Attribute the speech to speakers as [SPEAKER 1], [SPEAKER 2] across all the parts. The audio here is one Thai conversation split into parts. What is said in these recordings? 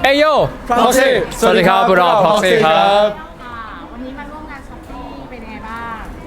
[SPEAKER 1] เอโย Proxy สวัสดีครับพวกเรา Proxy ครับ
[SPEAKER 2] วันนี้มาร่วมงานช้อปปี้เป็นยังไงบ้าง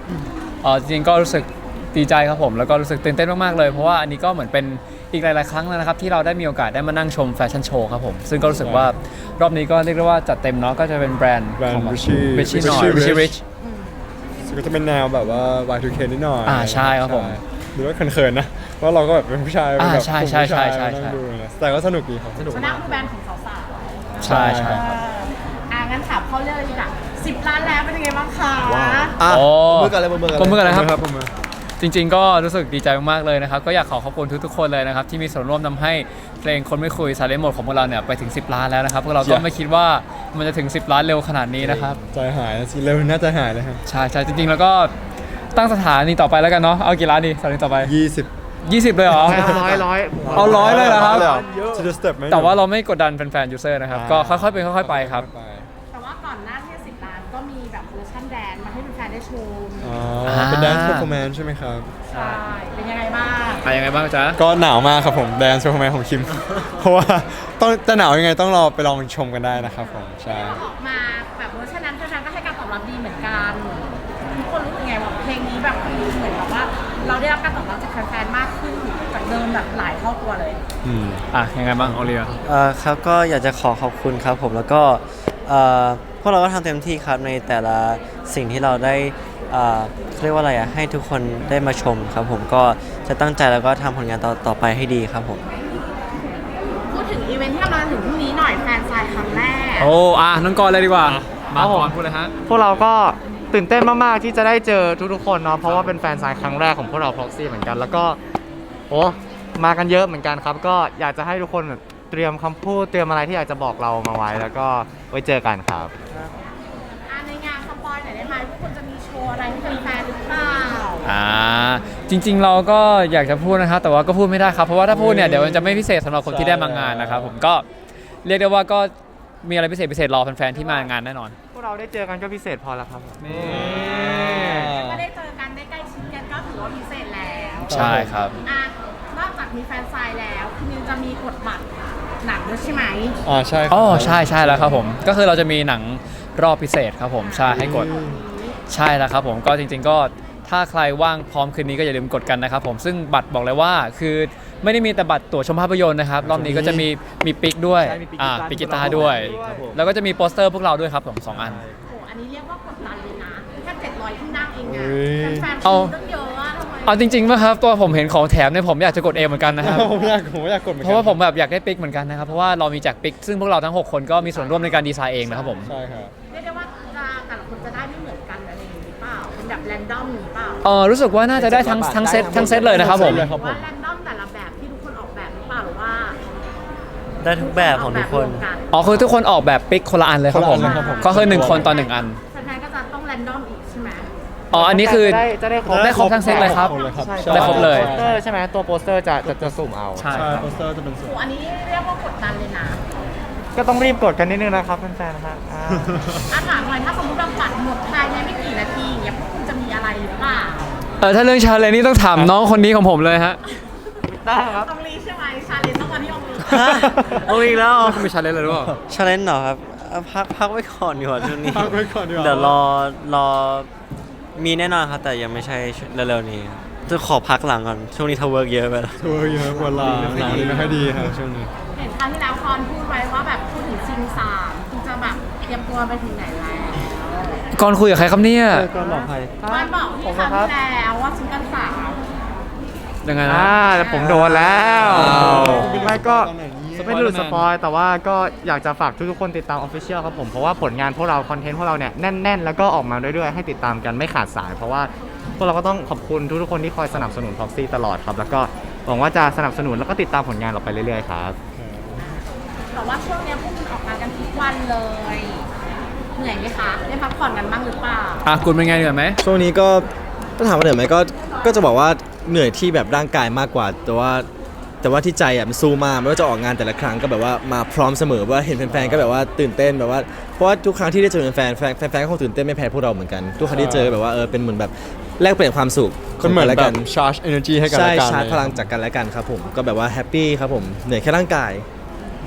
[SPEAKER 1] จริงๆก็รู้สึกดีใจครับผมแล้วก็รู้สึกตื่นเต้นมากๆเลยเพราะว่าอันนี้ก็เหมือนเป็นอีกหลายๆครั้งแล้วนะครับที่เราได้มีโอกาสได้มานั่งชมแฟชั่นโชว์ครับผมซึ่งก็รู้สึกว่ารอบนี้ก็เรียกได้ว่าจัดเต็มเนาะก็จะเป็นแบรนด์ของ Richie หน่อย Richie Rich
[SPEAKER 3] ก็จะเป็นแนวแบบว่า Y2K นิดหน่อย
[SPEAKER 1] ใช่ครับผม
[SPEAKER 3] หรือว่าเขินๆนะเพราะเราก็แบบเป็นผู้ชายเป็นแบบ
[SPEAKER 1] ใช่
[SPEAKER 3] กลุ่ม
[SPEAKER 1] ใช่
[SPEAKER 3] ผู้ชาย
[SPEAKER 1] ใช่
[SPEAKER 3] มานั่งดูนะแต่ก็สนุกดีครับสนุก
[SPEAKER 2] ชนะคือแบรนด์ของสาว
[SPEAKER 1] ใช่ใช่ครับ
[SPEAKER 2] งั้นถามเขาเรื่องเลยดีกว่า10 ล้านแล้วเป็นยังไงบ้างคะ
[SPEAKER 1] โอ้
[SPEAKER 4] มือกันเลยมือกัน
[SPEAKER 1] ก้มมือกันเลยครับ
[SPEAKER 3] ครับผม
[SPEAKER 1] จริงๆก็รู้สึกดีใจมากๆเลยนะครับก็อยากขอบคุณทุกๆคนเลยนะครับที่มีส่วนร่วมทำให้เพลงคนไม่คุย Silent Mode ของพวกเราเนี่ยไปถึง10 ล้านแล้วนะครับพวกเราก็ไม่คิดว่ามันจะถึง10 ล้านเร็วขนาดนี้นะครับ
[SPEAKER 3] ใจหายสิเร็วน่าจะหายเลยครับ
[SPEAKER 1] ใช่ใช่จริงๆแล้วก็ตั้งสถานีต่อไปแล้วกันเนาะเอากี่ล้านดีสถานีต่อไป
[SPEAKER 3] 20
[SPEAKER 1] 20เลยเหรอ
[SPEAKER 4] ร้อย
[SPEAKER 1] เอา100เลยเหรอครับ
[SPEAKER 3] จะ step ไหม
[SPEAKER 1] แต่ว่าเราไม่กดดันแฟนๆยูเซอร์นะครับก็ค่อยๆเป็นค่อยๆไปครับ
[SPEAKER 2] แต่ว่าก่อนหน้าที่10 ล้านก็มีแบบเวอร์ชันแดนมาให้แฟนๆได้ชม
[SPEAKER 3] เป็น dance performance ใช่ไหมครับ
[SPEAKER 2] ใช่เป็นยังไงบ้าง
[SPEAKER 1] ยังไงบ้างจ๊ะ
[SPEAKER 3] ก็หนาวมากครับผม dance performance ของคิม เพราะว่าต้องจะหนาวยังไงต้องรอไปลองชมกันได้นะครับผมใช่
[SPEAKER 2] ออกมาแบบเวอร์ชันนั้นแฟนๆก็ให้การตอบรับดีเหมือนกันทุกคนรู้สึกไงว่าเพลงนี้แบบเหมือนแบบว่าเราได้รับการตอบรับจากแฟนๆมากขึ้นจากเดิมแบบหลายเท่าตัวเลย
[SPEAKER 1] ยังไงบ้างโอเลีย
[SPEAKER 4] ครับก็อยากจะขอบคุณครับผมแล้วก็พวกเราก็ทำเต็มที่ครับในแต่ละสิ่งที่เราได้เรียกว่าอะไรให้ทุกคนได้มาชมครับผมก็จะตั้งใจแล้วก็ทำผลงานต่อไปให้ดีครับผม
[SPEAKER 2] พูดถึงอีเวนท์ที่กำลังถึงพรุ่งนี้หน่อยแฟนซายครั้งแรก
[SPEAKER 1] น้องกรเลยดีกว่ามาก่อนพูดเลยฮะ
[SPEAKER 5] พวกเราก็ตื่นเต้นมาก ๆ ที่จะได้เจอทุก ๆ คนเนาะเพราะว่าเป็นแฟนซายครั้งแรกของพวกเรา Proxy เหมือนกัน แล้วก็โอ้มากันเยอะเหมือนกันครับ ก็อยากจะให้ทุกคนแบบเตรียมคำพูดเตรียมอะไรที่อยากจะบอกเรามาไว้ แล้วก็ไว้เจอกันครับ
[SPEAKER 2] ในงานสปอยหน่อยได้ไหมว่าคุณจะมีโชว์อะไรให้แฟนๆหรือเปล่า
[SPEAKER 1] จริงๆเราก็อยากจะพูดนะครับแต่ว่าก็พูดไม่ได้ครับเพราะว่าถ้าพูดเนี่ยเดี๋ยวมันจะไม่พิเศษสำหรับคนที่ได้มางานนะครับผมก็เรียกได้ว่าก็มีอะไรพิเศษรอแฟนๆที่มางานแน่นอน
[SPEAKER 5] พวกเราได้เจอกันก็พิเศษพอแล้วครับ
[SPEAKER 2] ก็ได้เจอกันได้ใกล้ชิดกันก็ถือว่าพิเศษแล้ว
[SPEAKER 1] ใช่ครับ
[SPEAKER 2] นอกจากมีแฟนซายแล้วคุณนิวจะมีกดบัตรหนังด้วยใช่ไหม
[SPEAKER 3] ใช่ครับ
[SPEAKER 1] ใช่แล้วครับผมก็คือเราจะมีหนังรอบพิเศษครับผมใช่ให้กดใช่แล้วครับผมก็จริงๆก็ถ้าใครว่างพร้อมคืนนี้ก็อย่าลืมกดกันนะครับผมซึ่งบัตรบอกเลยว่าคือไม่ได้มีแต่บัตรตั๋วชมภาพยนตร์นะครับรอบนี้ก็จะมีปิกด้วย
[SPEAKER 5] ใช่มีปิกกีตาร์
[SPEAKER 1] ปิกกีตาร์ด้วย
[SPEAKER 5] ครับผม
[SPEAKER 1] แล้วก็จะมีโปสเตอร์พวกเราด้วยครับผม2 อัน
[SPEAKER 2] โอ้อันนี้เรียกว่ากดดันเลยนะแค่700ที่นั่งเองนะ
[SPEAKER 3] เฮ้ย
[SPEAKER 2] แฟนๆ
[SPEAKER 1] เอา
[SPEAKER 2] ต้องเยอะอะทำไม
[SPEAKER 1] เอาจริงๆนะครับตัวผมเห็นของแถมเนี่ยผมอยากจะกดเองเหมือนกันนะครับ
[SPEAKER 3] ผมอยากกดเหมือน
[SPEAKER 1] เพ
[SPEAKER 3] กัน
[SPEAKER 1] ราะว่าผมแบบอยากได้ปิกเหมือนกันนะครับเพราะว่าเรามีแจกปิกซึ่งพวกเราทั้ง 6 คนก็มีส่วนร่วมในการดีไซน์เองนะครับผม
[SPEAKER 3] ใช่ครับ
[SPEAKER 2] เรียกได้ว่าแต่ละคนจะได้ไม่เหมือนกันอะไรอย่างนี้หรือเปล่าเป็นแบบแรนดอมหรือเปล่า
[SPEAKER 1] รู้สึกว่าน่าจะได้ทั้งเซตเลยนะครับผม
[SPEAKER 3] ทั้งเซตเลยครับ
[SPEAKER 2] ว่าแรนดอมแต่ละแบบที่ทุกคนออกแบบหรือเปล่าหรือว่า
[SPEAKER 4] ได้ทุกแบบของทุกคน
[SPEAKER 2] ออกแบบรวมกัน
[SPEAKER 1] คือทุกคนออกแบบปิกคนละอันเลยครับผม
[SPEAKER 3] คนละอันเลยครับผม
[SPEAKER 1] ก็คือ1 คนต่อ 1 อัน
[SPEAKER 2] แฟนๆก็จะต้องแรนดอมอีกใช่ไหม
[SPEAKER 1] อันนี้คือ
[SPEAKER 5] จะได้ครบ
[SPEAKER 1] ได้ครบทั้งเซตเลยครับ
[SPEAKER 5] ใช่
[SPEAKER 1] ได้ครบเลย
[SPEAKER 5] โปสเตอร์ใช่ไหมตัวโปสเตอร์จะสุ่มเอา
[SPEAKER 1] ใช่
[SPEAKER 3] ใช่
[SPEAKER 1] ครับ
[SPEAKER 3] โปสเตอร์จะเป็นส่วน
[SPEAKER 2] โอ้อันนี้เรียกว่ากดดันเลยนะ
[SPEAKER 5] ก็ต้องรีบกดกันนิดนึงนะครับแฟนๆนะครับ
[SPEAKER 2] ถามหน่อยถ้าสมมติเราบัตรหมดภายในไม่กี่นาทีอย่างเงี้ยพวกคุณจะมีอะไรหรือเปล่า
[SPEAKER 1] ถ้าเรื่องชาเลนจ์นี่ต้องถามน้องคนนี้ของผมเลยฮะ
[SPEAKER 5] ได้ครับ
[SPEAKER 2] ต้องรีใช่ไหมชาเลนจ์ต้องวันที่องรี
[SPEAKER 4] เอาอีกแล้ว
[SPEAKER 1] มีชาเลนจ์เลยหรือเปล่า
[SPEAKER 4] ชาเลนจ์เหรอครับพักไว้ก่อนดีกว่าช่วงนี้
[SPEAKER 3] พักไว้ก่อนดีกว่า
[SPEAKER 4] เดี๋ยวรอมีแน่นอนครับแต่ยังไม่ใช่เร็วๆนี้ครับจะขอพักหลังก่อนช่วงนี้ทำเวิร์กเยอะไปแล้ว
[SPEAKER 3] ทัวร์เยอะเวลาหนังไม่ค่อยดีครับช่วงนี้
[SPEAKER 2] เห็นครั้งที่แล้วคอนพูดไว้ว่าแบบพูดถึงซิงสามคุณจะแบบเตรียมตัวไปถึงไหนแล้ว
[SPEAKER 1] ก่อนคุยกับใครครับเนี่ย
[SPEAKER 4] ก็หลอกใคร
[SPEAKER 2] มันบอกที่ครั้งที่แล้วว่าซิงเกิลสาม
[SPEAKER 1] ยังไงนะ
[SPEAKER 5] แต่ผมโดนแล้ว
[SPEAKER 1] อ้าว
[SPEAKER 5] ไม่ก็
[SPEAKER 3] ตอนไหนเนี่ย
[SPEAKER 5] ไม่ได้หลุดสปอยแต่ว่าก็อยากจะฝากทุกๆคนติดตาม Official ครับผมเพราะว่าผลงานพวกเราคอนเทนต์พวกเราเนี่ยแน่นๆ แล้วก็ออกมาเรื่อยๆให้ติดตามกันไม่ขาดสาย เพราะว่าพวกเราก็ต้องขอบคุณทุกๆคนที่คอยสนับสนุน Proxy ตลอดครับแล้วก็หวังว่าจะสนับสนุนแล้วก็ติดตามผลงานเราไปเรื่อยๆครับ
[SPEAKER 2] แต่ว่าช่วงเนี้ยพวกคุณออกงานกันทุกวันเลย เหนื่อยไหมคะได้พักผ่อนกันบ้างหรือเปล่า
[SPEAKER 1] คุณเป็นไงเหนื่อยไหม
[SPEAKER 6] ช่วงนี้ก็ถ้าถามว่าเหนื่อยไหมก็จะบอกว่าเหนื่อยที่แบบร่างกายมากกว่า แต่ว่าที่ใจอ่ะมันสู้มากไม่ว่าจะออกงานแต่ละครั้งก็แบบว่ามาพร้อมเสมอว่าเห็นแฟนๆก็แบบว่าตื่นเต้นแบบว่าเพราะว่าทุกครั้งที่ได้เจอแฟนๆก็คงตื่นเต้นไม่แพ้พวกเราเหมือนกันทุกครั้งที่เจอแบบว่าเป็นเหมือนแบบแลกเปลี่ยนความสุข
[SPEAKER 3] ก็เหมือน
[SPEAKER 6] และ
[SPEAKER 3] แบ
[SPEAKER 6] กับ น
[SPEAKER 3] charge energy ให้กัน
[SPEAKER 6] ใช่
[SPEAKER 3] และกัน
[SPEAKER 6] ชาร์จพลังจากกันและกันครับผมก็แบบว่าแฮปปี้ครับผมเหนื่อยแค่ร่างกาย
[SPEAKER 2] เ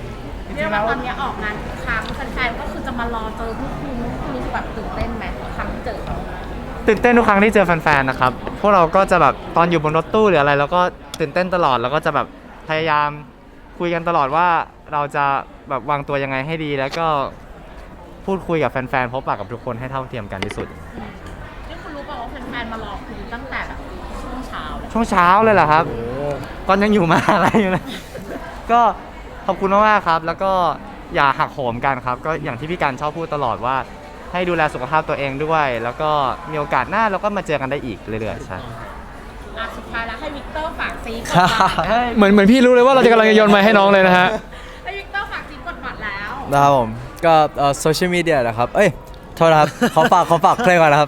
[SPEAKER 2] เรียกว่าตอนนี้ออกงานทุกครั้งแฟนๆก็คือจะมารอเจอพวกคุณรู้สึกแบบตื่นเต้นไหมทุกครั้งที่เจอเขา
[SPEAKER 5] ตื่นเต้นทุกครั้งที่เจอแฟนๆนะครับพวกเราก็จะแบบตอนอยู่บนรถตู้หรืออะไรเราก็ตื่นเต้นตลอดแล้วก็จะแบบพยายามคุยกันตลอดว่าเราจะแบบวางตัวยังไงให้ดี แล้วก็พูดคุยกับแฟนๆพบปะกับทุกคนให้เท่าเทียมกันที่สุด
[SPEAKER 2] ที่คุณรู้เปล่าว่าแฟนๆมารอคุณตั้งแต่แบบช่วงเช้าเลย
[SPEAKER 5] ช่วงเช้าเลยเหรอครับก่อนยังอยู่มหาอะไรอยู่เลย ก็ขอบคุณมากๆครับ แล้วก็อย่าหักโหมกันครับ ก็อย่างที่พี่การชอบพูดตลอดว่า ให้ดูแลสุขภาพตัวเองด้วย แล้วก็มีโอกาสหน้าเราก็มาเจอกันได้อีกเรื่อยๆใช่
[SPEAKER 2] สุดท้ายแล้วให้วิกเตอร์ฝากซีกดบัตร
[SPEAKER 1] เหมือนพี่รู้เลยว่าเราจะกำลังจะโยนไม้ให้น้องเลยนะฮะ
[SPEAKER 2] ให้วิกเตอร์ฝากซีกดบัตรแล้ว
[SPEAKER 7] นะครับผมก็โซเชียลมีเดียนะครับเอ้ยโทษนะครับ ขอฝากเพลงก่อนนะครับ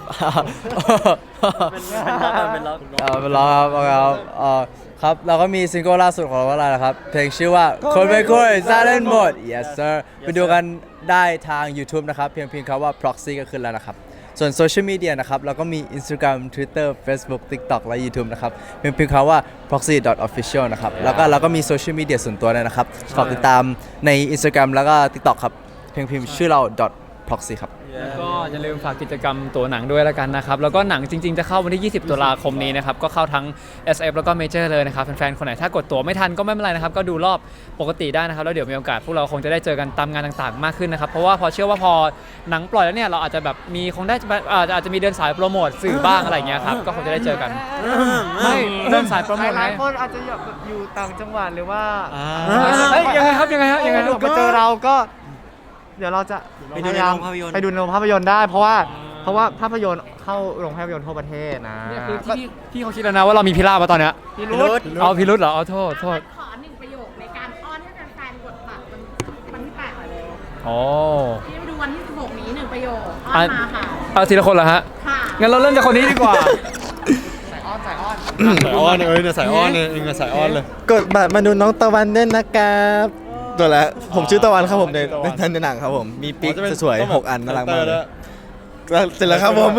[SPEAKER 7] เป็นล็อกครับครับเราก็มีซิงเกิลล่าสุดของเราแล้วนะครับเพลงชื่อว่าคนไม่คุย Silent Mode yes sir ไปดูกันได้ทาง YouTube นะครับเพียงคำว่า proxy ก็ขึ้นแล้วนะครับส่วนโซเชียลมีเดียนะครับเราก็มี Instagram Twitter Facebook TikTok และ YouTube นะครับเพียงคำว่า proxy.official นะครับแล้วก็เราก็มีโซเชียลมีเดียส่วนตัวด้วยนะครับฝากติดตามใน Instagram แล้วก็ TikTok ครับเพียงพิมพ์ชื่อเรา .proxy ครับ
[SPEAKER 1] แล้วก็อย่าลืมฝากกิจกรรมตัวหนังด้วยแล้วกันนะครับ แล้วก็หนังจริงๆ จะเข้าวันที่ 20 ตุลาคมนี้นะครับ ก็เข้าทั้ง SF แล้วก็ Major เลยนะครับ แฟนๆ คนไหนถ้ากดตั๋วไม่ทันก็ไม่เป็นไรนะครับ ก็ดูรอบปกติได้นะครับ แล้วเดี๋ยวมีโอกาสพวกเราคงจะได้เจอกันตามงานต่างๆ มากขึ้นนะครับ เพราะว่าพอเชื่อว่าพอหนังปล่อยแล้วเนี่ย เราอาจจะแบบมีคงได้อาจจะมีเดินสายโปรโมทสื่อบ้างอะไรอย่างเงี้ยครับ ก็คงจะได้เจอกัน ไม่เดินสายโปรโมท
[SPEAKER 5] ห
[SPEAKER 1] ไง
[SPEAKER 5] ลายคนอาจจะอยู่ต่างจังหวัดหรือว่า
[SPEAKER 1] เฮ้ยยังไงครับยังไง
[SPEAKER 5] ไปเจอเราก็ เดี๋ยวเราจะ
[SPEAKER 4] ไปดูในโรงภาพยนตร์
[SPEAKER 5] ไปดูในโรงภาพยนตร์ได้ เพราะว่าภาพยนตร์เข้าโรงภาพยนตร์ทั่วประเทศนะ
[SPEAKER 1] เนี่ยคือพี่เขาคิดแล้วนะว่าเรามีพิราบมาตอนเนี้ย
[SPEAKER 5] พี่รุธ
[SPEAKER 1] เอาพิรุธเหรอเอาโทษ
[SPEAKER 2] ขอหนึ่งประโยคในการอ้อนให้แฟนๆกดบัตรวันที่8หน่อยเร็ว
[SPEAKER 1] โอ้
[SPEAKER 2] ที่ไปดูวันที่16นี้หนึ่งประโยคอ้อนมาค่ะ
[SPEAKER 1] เอาทีละคนเหรอฮะ
[SPEAKER 2] ค่ะ
[SPEAKER 1] งั้นเราเริ่มจากคนนี้ดีกว่า
[SPEAKER 3] สายอ้อนเนี่ยสายอ้อนเนี่ยเองสายอ้อนเลย
[SPEAKER 6] กดบัตรมาดูน้องตะวันด้วยนะครับตัวแล้วผมชื่อตะวันครับผมในหนังครับผมมีปิ๊กสวยๆ6 อันน่ารักมากเลยเสร็จแล้วครับผม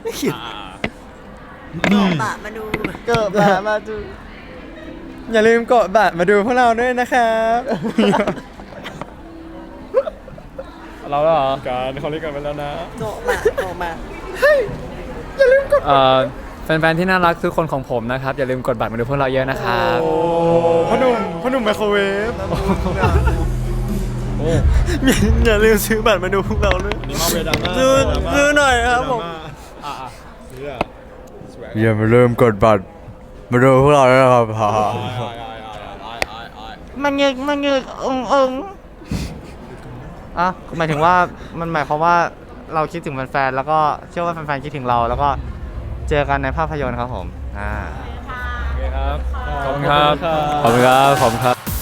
[SPEAKER 6] กดบัตรมาดูอย่าลืมกดบัตรมาดูพวกเราด้วยนะครับ
[SPEAKER 1] เราแล้วเหรอ
[SPEAKER 3] การเขาเรียกกันไปแล้วนะ
[SPEAKER 1] แฟนๆที่น่ารักทุกคนของผมนะครับ อย่าลืมกดบัตรมาดูพวกเราเยอะนะครับ
[SPEAKER 3] พ่อหนุ่มไมโครเวฟ
[SPEAKER 6] อย่าลืมซื้อบัตรมาดูพวกเราด้วย
[SPEAKER 3] นี่มาเวดาม่า
[SPEAKER 6] ซื้อหน่อยครับผม
[SPEAKER 7] อย่ามาลืมกดบัตรมาดูพวกเราด้วยนะครับ
[SPEAKER 5] มันเงึกอ่ะหมายถึงว่ามันหมายความว่าเราคิดถึงแฟนๆแล้วก็เชื่อว่าแฟนๆคิดถึงเราแล้วก็เจอกันในภาพยนตร์ครับผม
[SPEAKER 1] ขอบคุณครับ ขอบคุณครับ